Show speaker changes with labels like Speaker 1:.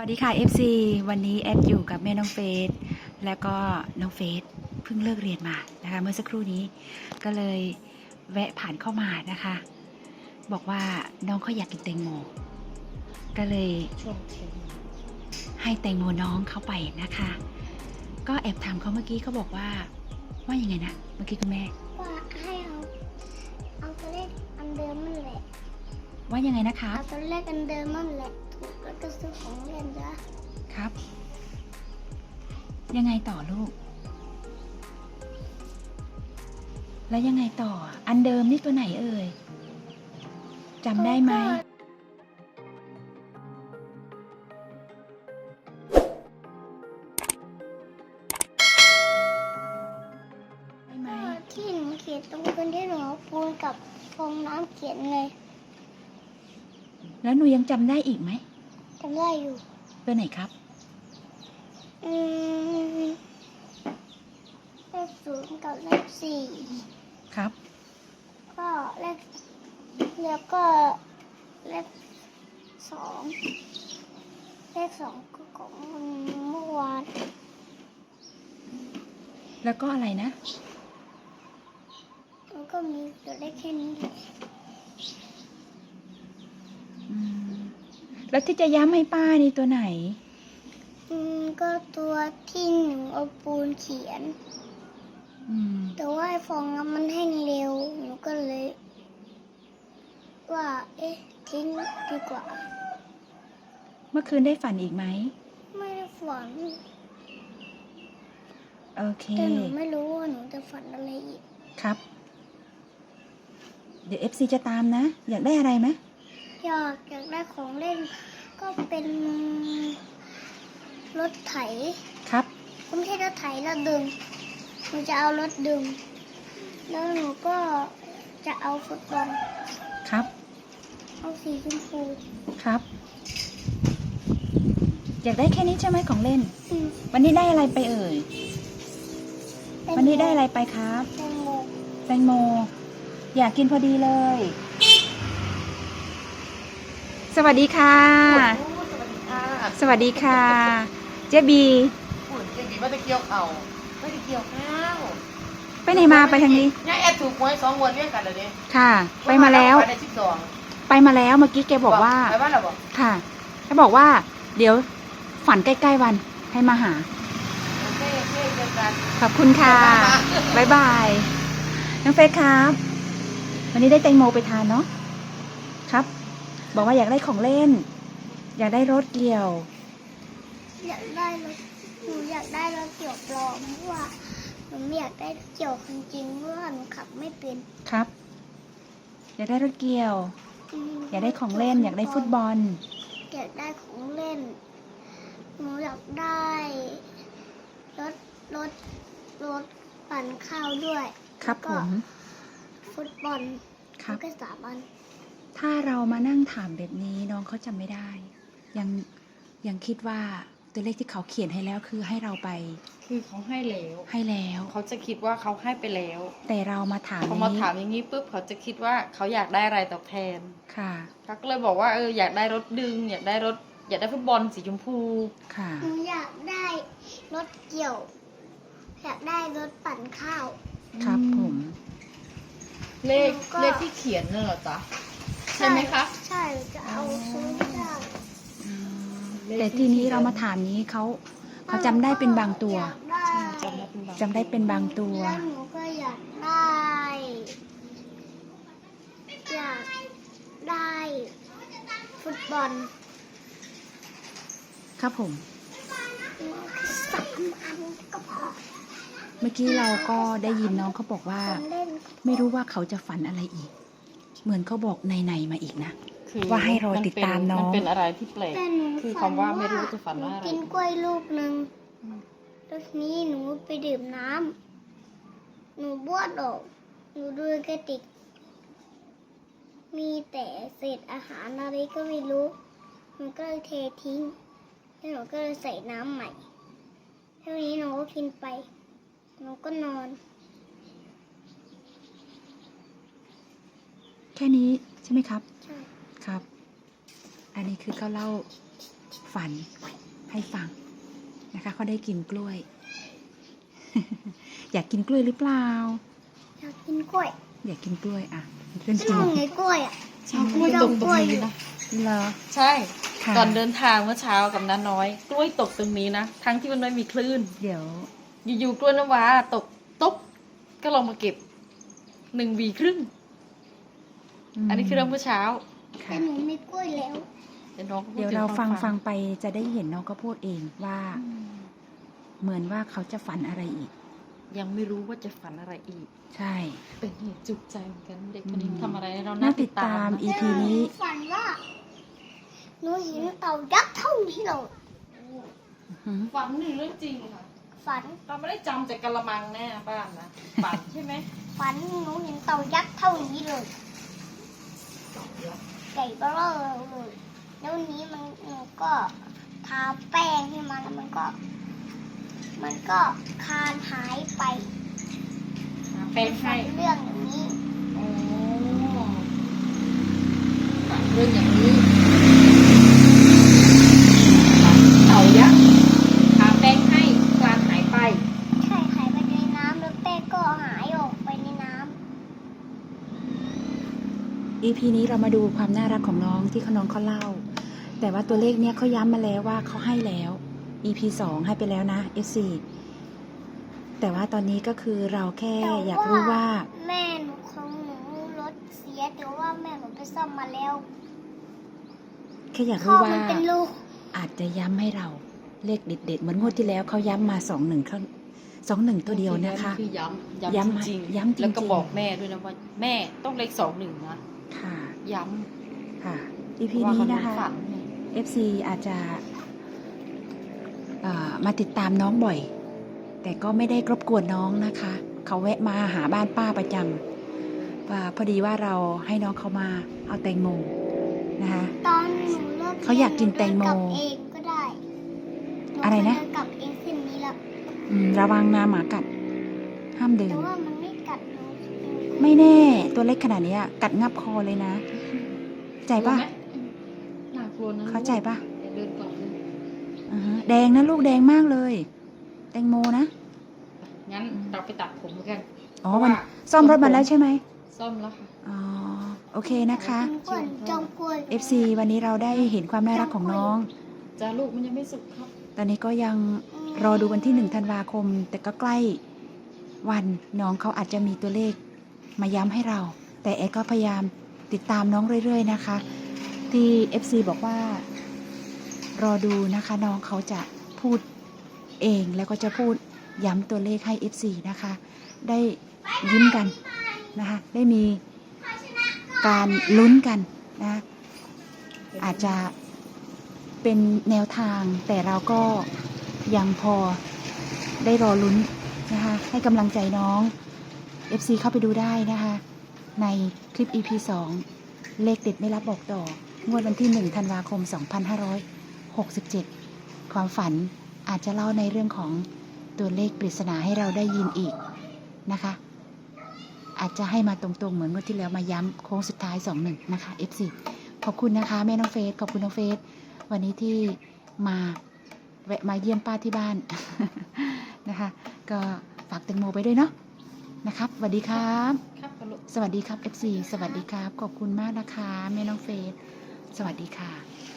Speaker 1: วัสดีค่ะ FC วันนี้แอดอยู่กับแม่น้องเฟสแล้วก็น้องเฟสเพิ่งเลิกเรียนมานะคะเมื่อสักครู่นี้ก็เลยแวะผ่านเข้ามานะคะบอกว่าน้องเขาอยากกินแตงโมก็เลยให้แตงโมน้องเข้าไปนะคะก็แอบถามเขาเมื่อกี้เขาบอกว่ายังไงนะเมื่อกี้คุณแม่
Speaker 2: ว่าให้เอาตัวเลขอันเดิมนั่นแหละ
Speaker 1: ว่ายังไงนะคะ
Speaker 2: เอาตัวเลขอันเดิมนั่นแหละถูกแล้วก็ซื้อของเล่นจ้ะ
Speaker 1: ครับยังไงต่อลูกแล้วยังไงต่ออันเดิมนี่ตัวไหนเอ่ยจำได้ไหม
Speaker 2: ที่หนูเขียนตรงพื้นที่หนูเอาปูนกับฟองน้ำเขียนเลย
Speaker 1: แล้วหนูยังจำได้อีกไหม
Speaker 2: จำได้อยู่
Speaker 1: ตัวไหนครับ
Speaker 2: เลข0กับเลข4
Speaker 1: ครับ
Speaker 2: ก็แล้วก็เลข2เลข2ก็ของเมื่อวาน
Speaker 1: แล้วก็อะไรนะ
Speaker 2: มันก็มีตัวเลขแค่นี้
Speaker 1: แล้วที่จะย้ำให้ป้านี่ตัวไหน
Speaker 2: ก็ตัวที่หนูเอาปูนเขียนแต่ว่าไอ้ฟองน้ำมันแห้งเร็วหนูก็เลยว่าทิ้งดีกว่า
Speaker 1: เมื่อคืนได้ฝันอีกไหม
Speaker 2: ไม่ได้ฝัน
Speaker 1: โอเค
Speaker 2: แต่หนูไม่รู้ว่าหนูจะฝันอะไรอีก
Speaker 1: ครับเดี๋ยว FC จะตามนะอยากได้อะไรไหม
Speaker 2: อยากได้ของเล่นก็เป็นรถไถ
Speaker 1: ครับ
Speaker 2: ไม่ใช่รถไถรถดึงหนูจะเอารถดึงแล้วหนูก็จะเอาฟุตบอล
Speaker 1: ครับ
Speaker 2: เอาสีชมพู
Speaker 1: ครับอยากได้แค่นี้ใช่ไหมของเล่นวันนี้ได้อะไรไปเอ่ยวันนี้ได้อะไรไปครับแตงโมอยากกินพอดีเลยสวัสดีค่ะสวัสดีค่ะเจ๊บี
Speaker 3: เจ๊บีว่าจะเกี่ยวเข่าไม่ได้เกี่ยวข้าว
Speaker 1: ไปไหนมาไปทางนี้
Speaker 3: เนี่ยแอดถูกหวย2 งวดเรียกกันเลยดิ
Speaker 1: ค่ะไปมาแล้วไปมาแล้วเมื่อกี้แกบอกว่า
Speaker 3: ไปบ้านเราบอก
Speaker 1: ค่ะแกบอกว่าเดี๋ยวฝันใกล้ๆวันให้มาหาขอบคุณค่ะบ๊ายบายน้องเฟซครับวันนี้ได้แตงโมไปทานเนาะครับบอกว่าอยากได้ของเล่นอยากได้รถเกี่ยว
Speaker 2: อยากได้รถหนูอยากได้รถเกี่ยวปลอมเพราะว่าหนูไม่อยากได้รถเกี่ยวจริงๆเพราะว่าหนูขับไม่เป็น
Speaker 1: ครับอยากได้รถเกี่ยวอยากได้ของเล่นอยากได้ฟุตบอล
Speaker 2: อยากได้ของเล่นหนูอยากได้รถปั่นข้าวด้วย
Speaker 1: ครับผม
Speaker 2: ฟุตบอลครับก็3 อัน
Speaker 1: ถ้าเรามานั่งถามแบบนี้น้องเขาจำไม่ได้ยังคิดว่าตัวเลขที่เขาเขียนให้แล้วคือให้เราไป
Speaker 3: คือเขาให้แล้วเขาจะคิดว่าเขาให้ไปแล้ว
Speaker 1: แต่เรามาถาม
Speaker 3: เขามาถามอย่างนี้ปุ๊บเขาจะคิดว่าเขาอยากได้อะไรตอบแทน
Speaker 1: ค่ะ
Speaker 3: เขาก็เลยบอกว่าอยากได้รถดึงอยากได้ฟุตบอลสีชมพู
Speaker 1: ค่ะ
Speaker 2: หนูอยากได้รถเกี่ยวอยากได้รถปั่นข้าว
Speaker 1: ครับผม
Speaker 3: เลขที่เขียนน่ะเหรอจ๊ะใช่ไหมคะ
Speaker 2: ใช่จะเอาซื้อได้
Speaker 1: แต่ทีนี้เรามาถามนี้เขาจำได้เป็นบางตัวจำได้เป็นบางตัว
Speaker 2: แล้วหนูก็อยากได้ฟุตบอล
Speaker 1: ครับผม
Speaker 2: 3 อันก็พอ
Speaker 1: เมื่อกี้เราก็ได้ยินน้องเขาบอกว่าไม่รู้ว่าเขาจะฝันอะไรอีกเหมือนเขาบอกในมาอีกนะว่าให้รอติดตามน้อง
Speaker 3: มันเป็นอะไรที่แปลกคือคำว่าไม่รู้จะฝันว่าอะไร
Speaker 2: กินกล้วยลูกนึงแล้วทีนี้หนูไปดื่มน้ำหนูบ้วนออกหนูดูกระติกมีแต่เศษอาหารอะไรก็ไม่รู้หนูก็เลยเททิ้งแล้วหนูก็เลยใส่น้ำใหม่เท่านี้หนูก็กินไปหนูก็นอน
Speaker 1: แค่นี้ใช่ไหมครับ
Speaker 2: ใช่
Speaker 1: ครับอันนี้คือเขาเล่าฝฝันให้ฟังนะคะเขาได้กินกล้วย อยากกินกล้วยหรือเปล่า
Speaker 2: อยากกินกล้วย
Speaker 1: อยากกินกล้วยอ่ะเพื่อน
Speaker 2: ช
Speaker 1: กิน
Speaker 2: อบไงกล้วยอ่ะ
Speaker 3: ชอบกล้วยตกตรงนี้นะ
Speaker 1: เหรอ
Speaker 3: ใช่
Speaker 1: ค่ะ
Speaker 3: ก่อนเดินทางเมื่อเช้ากับน้าน้อย กล้วยตกตรงนี้นะ ทั้งที่มันไม่มีคลื่น
Speaker 1: เดี๋ยว
Speaker 3: อยู่ๆกล้วยน้ำว้าตกตุ๊บก็ลองมาเก็บ1 วีครึ่ง อันนี้คือเรื่องเมื่อเช้า
Speaker 2: แต่
Speaker 1: ค่ะ
Speaker 2: หนูมีกล้วยแล้ว
Speaker 3: เดี๋ยวน้องก็พู
Speaker 1: เดี๋ยว
Speaker 3: ถึ
Speaker 1: เรา
Speaker 3: ควม
Speaker 1: ฟังไปจะได้เห็นน้องก็พูดเองว่า
Speaker 3: อืม
Speaker 1: เหมือนว่าเขาจะฝันอะไรอีก
Speaker 3: ยังไม่รู้ว่าจะฝันอะไรอีก
Speaker 1: ใช่
Speaker 3: เป็นเหตุจุกใจเหมือนกันเด็กคนนี้
Speaker 1: อืม
Speaker 3: ทำอะไรให้เรา
Speaker 1: น่า
Speaker 3: น่า
Speaker 1: ติ
Speaker 3: ติ
Speaker 1: ด
Speaker 3: ด
Speaker 1: ตา
Speaker 3: ตาม ม
Speaker 1: EP นี้
Speaker 2: ฝันว่าหนูเห็นเต่ายักษ์เท่านี้เลย
Speaker 3: ฝันหนึ่งเรื่องจริงค่ะ
Speaker 2: ฝัน
Speaker 3: เราไม่ได้จำจากกะละมังแน่บ้านนะฝันใช่ไหม
Speaker 2: ฝันหนูเห็นเต่ายักษ์เท่านี้เลยใหญ่เบ้อเลยแล้ววันนี้หนูก็ทาแป้งให้มันแล้วมันก็คลานหายไป
Speaker 3: แปลงให้
Speaker 2: ฝันเรื่องอย่างนี้
Speaker 3: โอ้ฝันเรื่องอย่างนี้เต่ายักษ์ทาแป้งให้กลานหายไป
Speaker 2: ใช่หายไปในน้ำแล้วแป้งก็หายออกไปในน้
Speaker 1: EP นี้เรามาดูความน่ารักของน้องที่น้องเขาเล่า แต่ว่าตัวเลขเนี้ยเขาย้ำมาแล้วว่าเขาให้แล้ว EP 2 ให้ไปแล้วนะ FC แต่ว่าตอนนี้ก็คือเราแค่
Speaker 2: ำแต่
Speaker 1: อยากรู้ว่า
Speaker 2: แม่หนูของหนูรถเสียแต่ว่าแม่หนูไปซ่อมมาแล้ว
Speaker 1: แค่อยาก
Speaker 2: ข้อ
Speaker 1: รู้ว่า
Speaker 2: มันเป็นรู
Speaker 1: อาจจะย้ำให้เราเลขเด็ดๆเหมือนงวดที่แล้วเขาย้ำมา21เขา21 ตัวเดียวนะคะ
Speaker 3: คือย้ำ
Speaker 1: ย้ำ
Speaker 3: จริง
Speaker 1: ย้ำจริงๆ
Speaker 3: แล้วก็บอกแม่ด้วยนะว่าแม่ต้องเลข2 1นะ
Speaker 1: ค่ะ
Speaker 3: ย้
Speaker 1: ค่ะ
Speaker 3: ำ
Speaker 1: EP
Speaker 3: ว่า
Speaker 1: นี้
Speaker 3: เขา
Speaker 1: นะคะ
Speaker 3: ฝันไง
Speaker 1: FC อาจจะมาติดตามน้องบ่อย แต่ก็ไม่ได้รบกวนน้องนะคะ เขาแวะมาหาบ้านป้าประจำว่าพอดีว่าเราให้น้องเขามาเอาแตงโมนะคะ
Speaker 2: ตอนหนูเลิก
Speaker 1: เขาอยากกินแตงโม
Speaker 2: เดิกลับเองก็ได้ห
Speaker 1: อะไรนะ
Speaker 2: เคยเดิกลับเองเส้นนี้แล้ว
Speaker 1: ระวังนาหมากัด ห้ามเดิน
Speaker 2: แต่ว่ามันไม่กัดหนู
Speaker 1: ไม่แน่ตัวเล็กขนาดเนี้ยกัดงับคอเลยนะ ใจปะ
Speaker 3: กลัวไหมน่ากลัวนะ
Speaker 1: เข้าใจปะ
Speaker 3: อย่าเดินก่อนเลย
Speaker 1: อือฮะแดงนะลูกแดงมากเลย แตงโมนะ
Speaker 3: งั้นเราไปตัดผมกัน
Speaker 1: อ๋อมันซ่อมรถมาแล้วใช่ไหม
Speaker 3: ซ่อมแล้วค่ะ
Speaker 1: อ๋อโอเคนะคะ
Speaker 2: จงกวนจงกวน
Speaker 1: FC วันนี้เราได้เห็นความน่ารักของน้อง
Speaker 3: จ้าลูกมันยังไม่สุกครับ
Speaker 1: ตอนนี้ก็ยังรอดูวันที่1 ธันวาคม แต่ก็ใกล้วันน้องเขาอาจจะมีตัวเลขมาย้ำให้เรา แต่แอดก็พยายามติดตามน้องเรื่อยๆนะคะ ที่ FC บอกว่ารอดูนะคะน้องเขาจะพูดเองแล้วก็จะพูดย้ำตัวเลขให้ FC นะคะ ได้ยิ้มกันนะคะ ได้มีการลุ้นกันนะ อาจจะเป็นแนวทางแต่เราก็ยังพอได้รอลุ้นนะคะให้กำลังใจน้อง FC เข้าไปดูได้นะคะในคลิป EP 2 เลขเด็ดไม่รับบอกต่องวดวันที่1 ธันวาคม 2567 ความฝันอาจจะเล่าในเรื่องของตัวเลขปริศนาให้เราได้ยินอีกนะคะ อาจจะให้มาตรงๆเหมือนงวดที่แล้วมาย้ำโค้งสุดท้าย 2-1 นะคะ FC ขอบคุณนะคะแม่น้องเฟสขอบคุณน้องเฟสวันนี้ที่มาแวะมาเยี่ยมป้าที่บ้าน นะคะ ก็ฝากแตงโมไปด้วยเนาะนะครับสวัสดีครับ
Speaker 3: ครับลูก
Speaker 1: สวัสดีครับ FC สวัสดีครับ ขอบคุณมากนะคะแม่น้องเฟสสวัสดีค่ะ